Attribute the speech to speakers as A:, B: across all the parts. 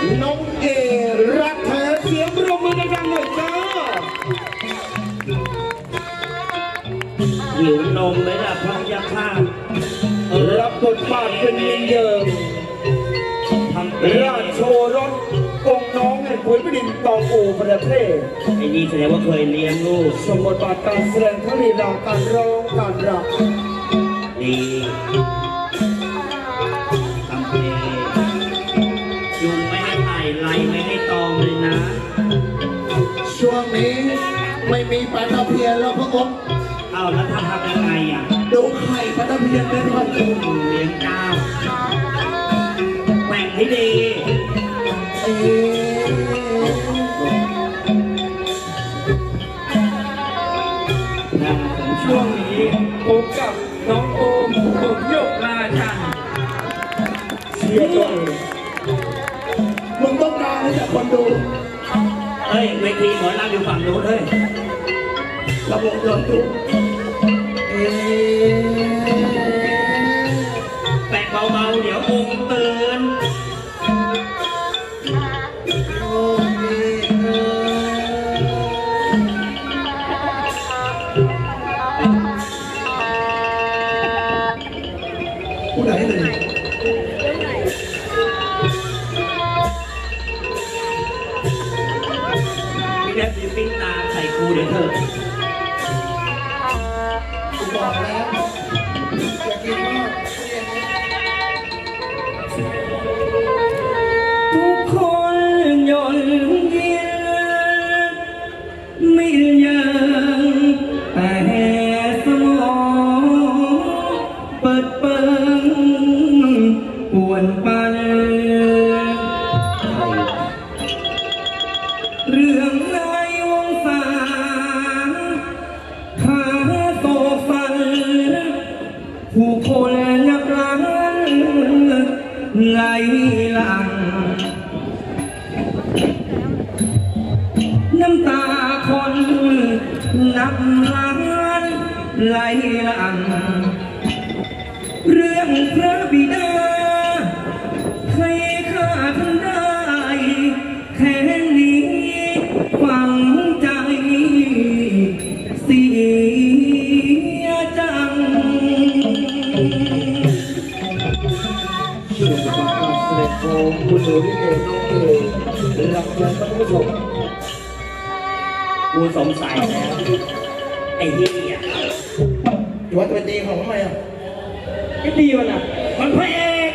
A: น้องเอรักแท้เสียงปรบมือดังๆหน่อยจ้า
B: หิวนมไหมล่ะพระยาข้า
A: รับบทบาทเป็นมินเยิมราชโชรสองค์น้องแห่งขุนพดินตองอูประเทศ
B: ไอ้นี่แสดงว่าเคยเลี้ยงลูก
A: สมบทบาทการแสดงทั้งลีลาการร้องการร
B: ำดีทำเพลงยุงไม่ให้ไต่ไล่ไม่ให้ตอมเลยนะ
A: ช่วงนี้ไม่มีปลาตะเพียนแล้วพระองค์
B: เอาแล้วทำยังไงอ่ะ
A: ดูไข่ปลาตะเพียนเป็นพันตัว
B: เลี้ยงเจ้าแหว่งให้ดี
C: ช่วงนี้พบกับน้องโอมผมโยกราชัน
A: เชียร์ด้วยมึงต้องการให้จากคนดู
B: เฮ้ยเวทีหมอลำอยู่ฝั่งนู้นเฮ้ย
A: ระบบรถดู
B: แปะเบาๆเดี๋ยวองค์ตื่น
A: ผู้ใดเลย
B: มีแดดมีปิ้งตาใส่ครูเดี๋ยวเถอะ
A: กูบอกแล้วอย่ากินมาก
B: ทุกคนยนต์ยินไม่ยังแต่สมองเปิดเปิงป่วนปันเรื่องในวงศาขาโตฟันผู้คนนับล้านไหลหลังน้ำตาคนนับล้านไหลหลังเรื่องพระบิดาให้ข้าท่านได้แค่นี้ฝังใจเสียจัง
A: ช่วงประกาศการแสดงของคุณโอริเกน้องเอรับแจ้งท่านผู้ชม
B: กูสงสัยแล้วไอ้เหี้ย
A: วัดเป็นดีของทำไมอ่ะ
B: ไอ้ดีมันอ่ะมันพระเอก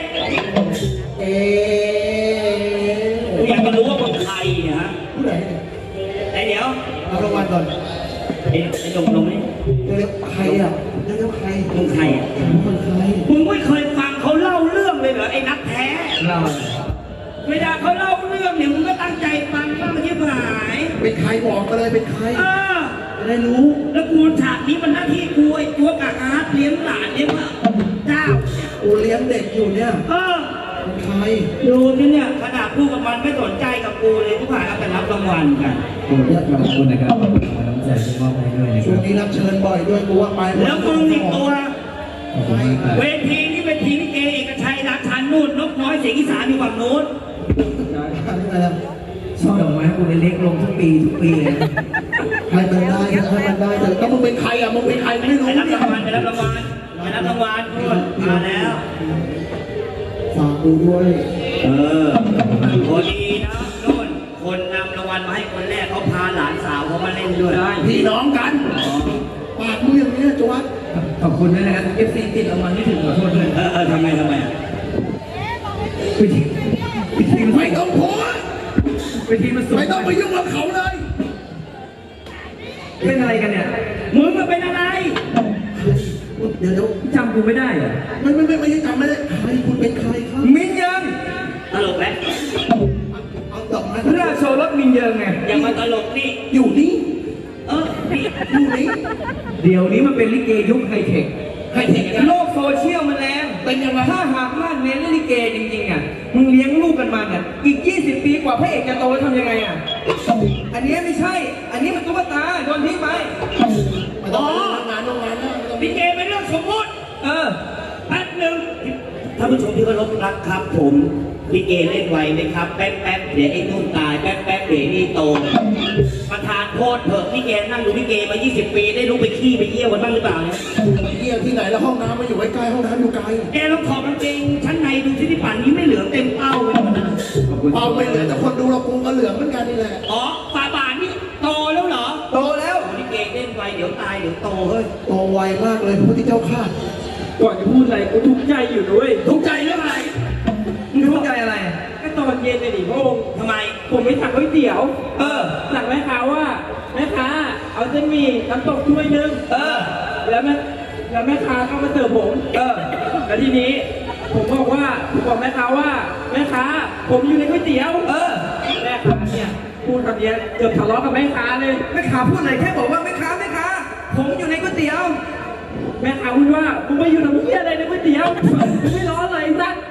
B: กูอยากจะรู้ว่ามึงใครฮะ
A: ผู้ใด
B: ไอ้เดี๋ยว
A: เอารางวัลก่อน
B: ไอ้ลงนี่
A: เรียกใครอ่ะเรียกใคร
B: มึงใครอ่ะ
A: มึงใคร
B: มึงไม่เคยฟังเขาเล่าเรื่องเลยเหรอไอ้นักแท้
A: เล่า
B: เวลาเขาเล่าเรื่องเนี่ยมึงก็ตั้งใจฟังบ้างไม่ใช่หาย
A: เป็นใครบอกมาเลยเป็นใครจะได้รู้
B: แล้วกูฉากนี้มันหน้าที่กูไอ้ตัวกากอาร์ตเลี้ยงหลานเลี้ยงเจ้า
A: กูเลี้ยงเด็กอยู่เนี่ยเป็นใคร
B: ดูที่เนี่ยขนาดพูดกับมันไม่สนใจกับกูเลยทุกฝ่ายเอาแต่รับรางวัลกัน
C: ขอบคุณนะครับขอบคุณน้ำใจที่มอบให้ด้วยนะค
A: ช่ว
C: รับ
A: งนี้รับเชิญบ่อยด้วยกูว่าไป
B: แล้วมึงอีกตัวเวทีนี้เป็นทีลิเกเอกชัยราชันนู่นนกน้อยเสียงอีสานอยู่ฝั่งนู้น
C: ชอบดอกไม้กูเล็กลงทุกปีเลย
A: ให้มันได้แต่ก็มึงเป็นใครอ่ะมึงเป็นใครไม่รู้
B: ไปรับรางวัลไปรับรางวัลนู่นมาแล้ว
A: ฝากดูด้วย
B: พอดีนะนู่นคนนำรางวัลมาให้คนแรกเขาพาหลานสาวเขามาเล่นด้วย
A: พี่น้องกันปากมึงอย่างนี้จวัด
C: ขอบคุณด้วยนะครับเอฟซีติดรางวัลที่ถึงขอโทษด้วย
B: ทำไม
A: ไม่ต้องพูดไม่ต้องไปยุ่งกับเขาเลย
C: เป็นอะไรกันเนี่ย
B: มึงมาเป็นอะไร
A: เดี๋ยว
C: จำกูไม่ได้เหรอ
A: ไม่ใช่จำไม่ได้ใครคุณเป็นใครครับ
C: มินยัง
B: ตลกไหม
A: เอาดอกไม้
C: ราชโชรสมินยังไง
B: อย่ามาตลกนี่
A: อยู่นี่
B: อยู่นี่
C: เดี๋ยวนี้มันเป็นลิเกยุคไฮเทคโลกโซเชียลมันแรง
A: เป็นยังไง
C: ถ้าหากมาเน้นลิเกจริงๆอ่ะมึงเลี้ยงลูกกันมาเนี่ยอีก20 ปีกว่าพระเอกจะโตทำยังไงอ่ะอันนี้ไม่ใช่อันนี้มันตุ๊กตาโดนทิ้งไป
A: อ๋องาน
B: ลิเกเป็นเรื่องสมมติแป๊บหนึ่ง
D: ท่านผู้ชมที่เคารพรักครับผมลิเกเล่นไวไหมครับแป๊บแป๊บเดี๋ยวไอ้นุ่นตายแป๊บแป๊บเดี๋ยวนี่โตประธานโทษเถอะลิเกนั่งดูลิเกมา 20 ปีได้ลุกไปขี้ไปเยี่ยวกันบ้างหรือเปล่าเนี่ย
E: ไปเยี่ยที่ไหนแล้วห้องน้ำมาอยู่ใกล้ๆห้องน้ำอยู่ไกล
D: แกลองถอดกางเกงชั้นในดูที่ป่านนี้ไม่เหลือเต็มเป้าเลยนะ
E: เอาไปเหลือแต่คนดูเรากูก็เหลืองเหมือนกันนี่แหละ
D: อ๋อฝาบาทนี่โตแล้วเหรอ
C: โตแล้ว
D: ลิเกเล่นไวเดี๋ยวตายเดี๋ยวโตเฮ้ย
E: โตไวมากเลยพระพุทธเจ้าข้า
B: ก่อนจะพูดอะไรกูทุกข์ใจอยู่ด้วย
D: ทุกข์ใจเรื่องอะไร
C: มึงทุกข์ใจอะไร
B: ก็ตอนเย็นเลยดิพระองค์
D: ทำไม
B: ผมไปสั่งก๋วยเตี๋ยว
C: เออ
B: สั่งแม่ค้าว่าแม่ค้าเอาเส้นหมี่น้ำตกถ้วยหนึง
C: เออ
B: แล้วแม่ค้าก็มาเสิร์ฟผม
C: เออ
B: แล้วทีนี้ผมบอกแม่ค้าว่าแม่ค้าผมอยู่ในก๋วยเตี๋ยว
C: เออ
B: แม่ค้าเนี่ยพูดคำเนี้ยเกือบทะเลาะกับแม่ค้าเลย
C: แม่ค้าพูดอะไรแค่บอกว่าแม่ค้าผมอยู่ในก๋วยเตี๋ยว
B: แม่ค้าพูดว่ามึงไปอยู่ทำเพี้ยอะไรในก๋วยเตี๋ยวมึงไม่ร้อนเลยสัก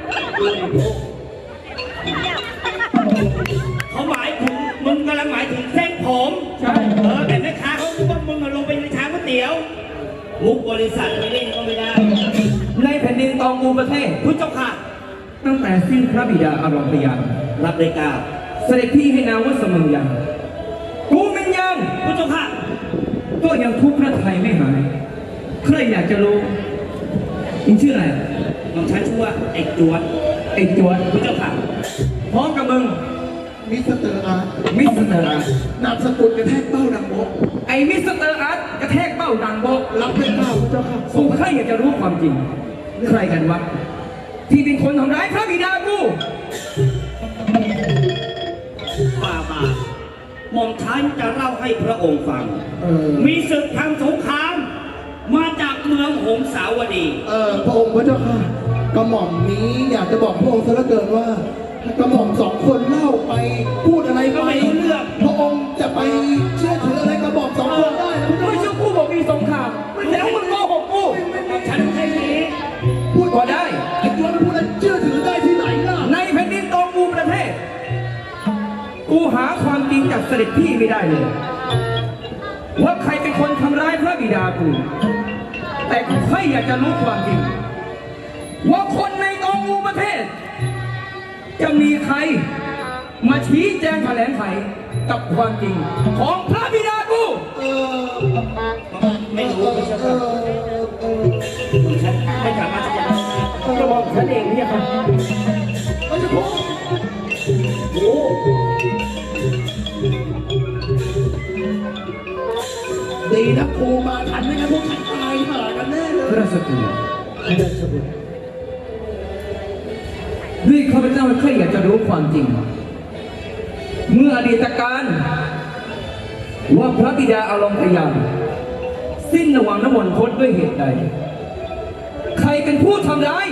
D: เขาหมายถึงมึงกำลังหมายถึงเส้นผม
B: ใช่
D: แต่แม่ค้าเขาคิดว่ามึงลงไปในชามก๋วยเตี๋ยวมุกบริษัทไม่เล่นก็ไม่ได้
C: ในแผ่นดินตองอูประเทศ
D: พุทธเจ้าค่ะ
C: ตั้งแต่สิ้นพระบิดาอารมพยาน
D: รับเลยกล่าว
C: เสด็จพี่ให้นามว่าเสมอยังกูเป็นยัง
D: พุทธเจ้าค่ะ
C: ก็ยังทุกข์พระไทยไม่หาย ใครอยากจะรู้อิงชื่ออะไร
D: น้องชายชื่อว่าไอ้จวน
C: ไอ้จวน
D: พุทธเจ้าค่ะ
C: พร้อมกับมึง
E: มิสเตอร์อาร์ต
C: มิสเตอร์อาร์ต
E: นามสกุลกระแทกเป้าดังโบก
C: ไอ้มิสเตอร์อาร์ตกระแทกเบ้าดังโบก
E: รับไม่กล้าพระเจ้าค่ะ
C: กูใครอยากจะรู้ความจริง ใครกันวะที่เป็นคนทำร้ายพระบิดากู
D: ฝ่าบาทหม่อมชายจะเล่าให้พระองค์ฟัง มีศึกทางสงคราม มาจากเมืองหงสาวดี
E: พระองค์พระเจ้าค่ะกระหม่อมนี้อยากจะบอกพระองค์ซะเหลือเกินว่า กระหม่อมสองคนเล่าไปพูดอะไรไป
D: ก็ไม่รู้เรื่อง
E: พระองค์จะไปเชื่อถืออะไรกระหม่อมสองคนได้นะพระ
C: ไม่
E: เจ้า
C: ใช่กูบอกมีสงครามแล้วมึงโกหกกู
D: ฉันแค่นี้
E: พูด
C: ก็ได้
E: ไอ้ตัวนั้นพูดแล้วเชื่อถือได้ที่ไหนล่ะ
C: ในแผ่นดินตองอูประเทศ กูหาความจริงจากเสด็จพี่ไม่ได้เลย ว่าใครเป็นคนทำร้ายพระบิดากู แต่กูแค่อยากจะรู้ความจริง ว่าคนในตองอูประเทศ จะมีใครมาชี้แจงแถลงไขกับความจริง ของพระบิดากู
D: ไม่รู้พุทธเจ้าค่ะฉันไม่สามารถจะ
B: กระบอกฉันเองเนี่ยค่ะ
E: ไม่ใช่พระองค์โอ้ดีนะครูมาทันไม่งั้นพวกฉันตายห่ากันแน่เลย
C: พระสกุลด้วยข้าพเจ้าแค่อยากจะรู้ความจริง เมื่ออดีตการ ว่าพระบิดาอารมณ์พยานสิ้นระหว่างน้ำมนต์พดด้วยเหตุใด ใครเป็นผู้ทำร้าย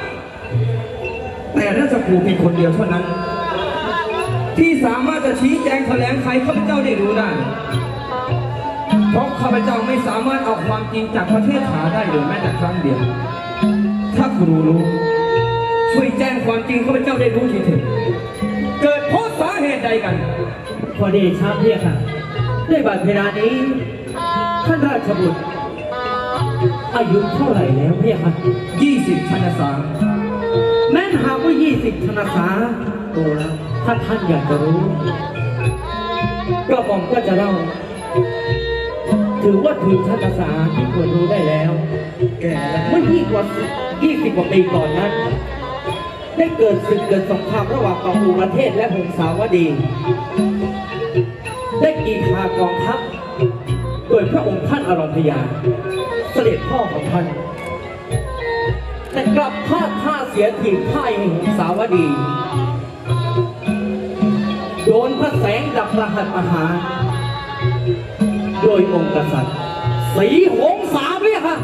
C: แต่ราชครูเพียงคนเดียวเท่านั้น ที่สามารถจะชี้แจงแถลงไขข้าพเจ้าได้รู้ได้ เพราะข้าพเจ้าไม่สามารถเอาความจริงจากประเทศหาได้เลยแม้แต่ครั้งเดียว ถ้าครูรู้ ช่วยแจ้งความจริงข้าพเจ้าได้รู้ทีเถิดเกิดเพราะสาเหตุใดกัน
B: พอดีชาพี่ค่ะด้วยบัดเวลานี้ท่านราชบุตรอายุเท่าไหร่แล้วพี่ค่ะ
C: 20 ชันษา
B: แม้นหากว่า20 ธนษาโตแล้วถ้าท่านอยากจะรู้ก็ผมก็จะเล่า ถือว่าถึงธนษาที่ควรรู้ได้แล้ว
E: แก่แล้ว
B: เมื่อ20 กว่าปีก่อนนั้น ได้เกิดศึกเกิดสงครามระหว่างกองอูประเทศและหงสาวดี ได้กีฬากองทัพโดยพระองค์ท่านอรพยาเสด็จพ่อของท่าน แต่กลับพลาดท่าเสียทีพ่ายให้หงสาวดี โดนพระแสงดับประหัตประหารโดยองค์กษัตริย์ศรีหงสาเนี่ยค่ะ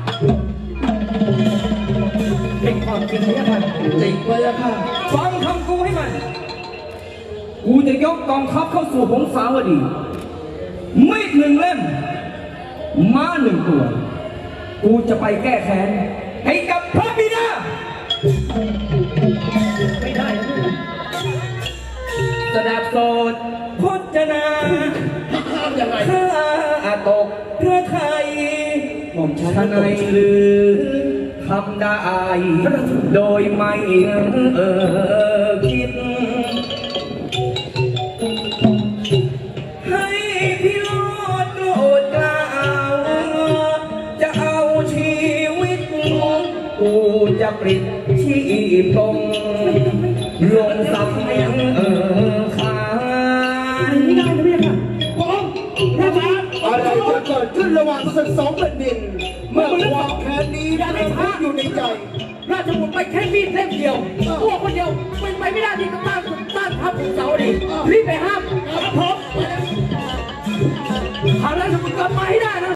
B: เป็นความจริงเนี่ยค่ะ
E: จริงเลยอะค่ะ
C: ฟังคำกูให้มัน กูจะยกกองทัพเข้าสู่หงสาวดี มีด1 เล่ม ม้า1 ตัว กูจะไปแก้แค้นให้กับพระบิดา
B: ไม่ได้นะ
C: สดับโสดพจนา
E: ห้ามยังไง
C: ข้าตกพระไทย
D: หม่อมฉัน
C: ทนายลือค
B: ำได้ โดยไม่คิด ให้พี่โลดโกรธกล่าวจะเอาชีวิตกูจะปลิดชีพงลงสังขาร
C: ไม่ได้นะพี่ค่ะ
E: อะไรจะเกิดขึ้นระหว่างศึกสองแผ่นดิน เมื่อความแค้นนี้มันอยู่ในใจ
C: ราชบุตรไปแค่มีดเล่มเดียวตัวคนเดียวเป็นไปไม่ได้ที่จะต้านทัพของเสาดิรีบไปห้ามครับผมหาราชบุตรกลับมาให้ได้นะ